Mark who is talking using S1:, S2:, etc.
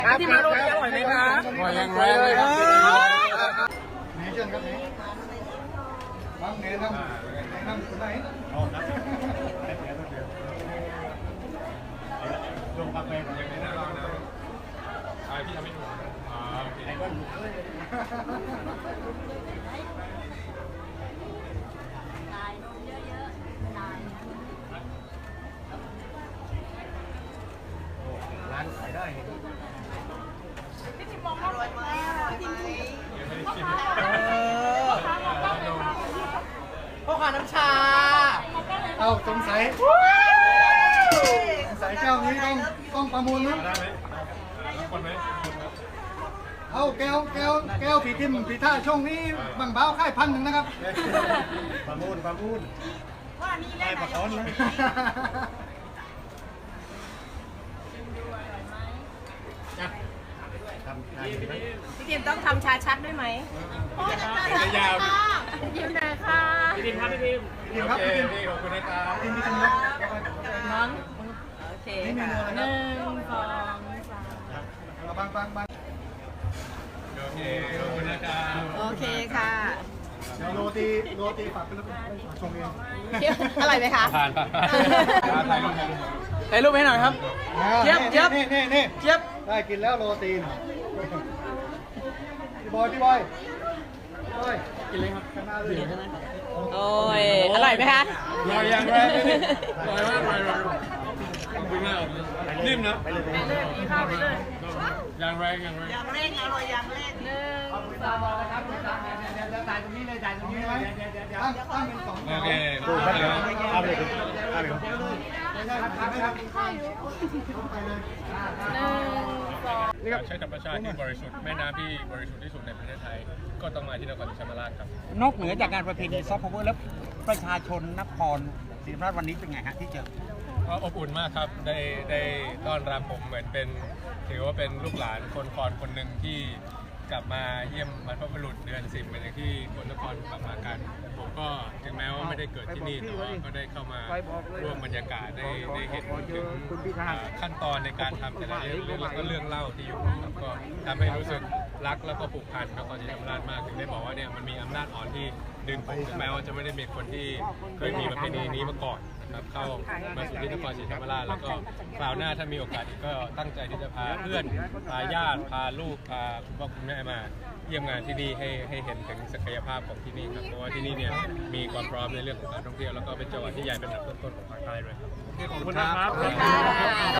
S1: ที่มาโรตีอร่อยไหมคะอร่อยอย่างแรงเลยครับนี่เชิญครับนี่บ้างแนะนำคนไหนลงกาแฟอย่างนี้นะเรานะพี่ทำไม่ถูกโอเคร้านขายได้พี่ทิมมองอร่อยไหมพี่ทิมยังไม่ได้ชิมพ่อค้าน้ำชาเอาสงสัยแก้วนี้ต้องประมูลนะคนไหมเอาแก้วผีทิมผีท่าช่วงนี้บางเบาค่าย1,000นะครับประมูลได้ประคอนนะ
S2: พี่ทิมต้องทำชาชักด้วยไหม
S1: ยาว
S2: ยิ้มหน่อยค่ะ
S1: พี่ทิมครับพี่ทิมครับพี่ทิมขอบคุณนะครับพี่ทิม
S2: น้องโอเคค่ะ1 2 3
S1: บางโอเคขอบคุณนะครับ
S2: โอเคค่ะ
S1: โรตีฝากเป็นชงเอง
S2: อร่อยไหมคะ
S1: ผ่านถ่ายรูปให้หน่อยครับเจี๊ยบเจี๊ยบได้กินแล้วโรตีพี่บอยกินเลยครับข้างหน้าเลย
S2: โอ้ยอร่อยไหมคะ
S1: อร่อยอย่างแรกอร่อยมากขอบคุณมากนิ่มนะไปเลยอย่างแรงอร่อยอย่างแรก1 2จ่ายตรงนี้เลยตั้งเป็น2โอเคเอาไปเลยใช้ธรรมชาติที่บริสุทธิ์แม่น้ำที่บริสุทธิ์ที่สุดในประเทศไทยก็ต้องมาที่นครศรีธรรมราชครับ
S3: นอกเหนือจากงานประเพณีซอฟต์พาวเวอร์แล้วประชาชนนครศรีธรรมราชวันนี้เป็นไงฮะที่เจอ
S1: ก็อบอุ่นมากครับได้ต้อนรับผมเหมือนเป็นถือว่าเป็นลูกหลานคนคอนคนหนึ่งที่กลับมาเยี่ยมบรรพบุรุษเดือน10เหมือนอย่างที่คนนครกลับมากันผมก็ถึงแม้ว่าไม่ได้เกิดที่นี่แต่ว่าก็ได้เข้ามาร่วมบรรยากาศได้เห็นถึงขั้นตอนในการทำแต่ละเรื่องแล้วก็เรื่องเล่าที่อยู่ครับก็ทำให้รู้สึกรักแล้วก็ผูกพันนครศรีธรรมราชมากถึงได้บอกว่าเนี่ยมันมีอำนาจอ่อนที่ดึงผมถึงแม้ว่าจะไม่ได้มีคนที่เคยมีประเพณีนี้มาก่อนนะครับเข้ามาสู่ที่นครศรีธรรมราชแล้วก็คราวหน้าถ้ามีโอกาสอีกก็ตั้งใจที่จะพาเพื่อนพาญาติพาลูกพาคุณพ่อคุณแม่มาเยี่ยมงานที่นี่ให้เห็นถึงศักยภาพของที่นี่ครับเพราะว่าที่นี่เนี่ยมีความพร้อมในเรื่องของการท่องเที่ยวแล้วก็เป็นจังหวัดที่ใหญ่เป็นอันดับต้นๆของภาคใต้ด้วยครับขอบคุณนะครับ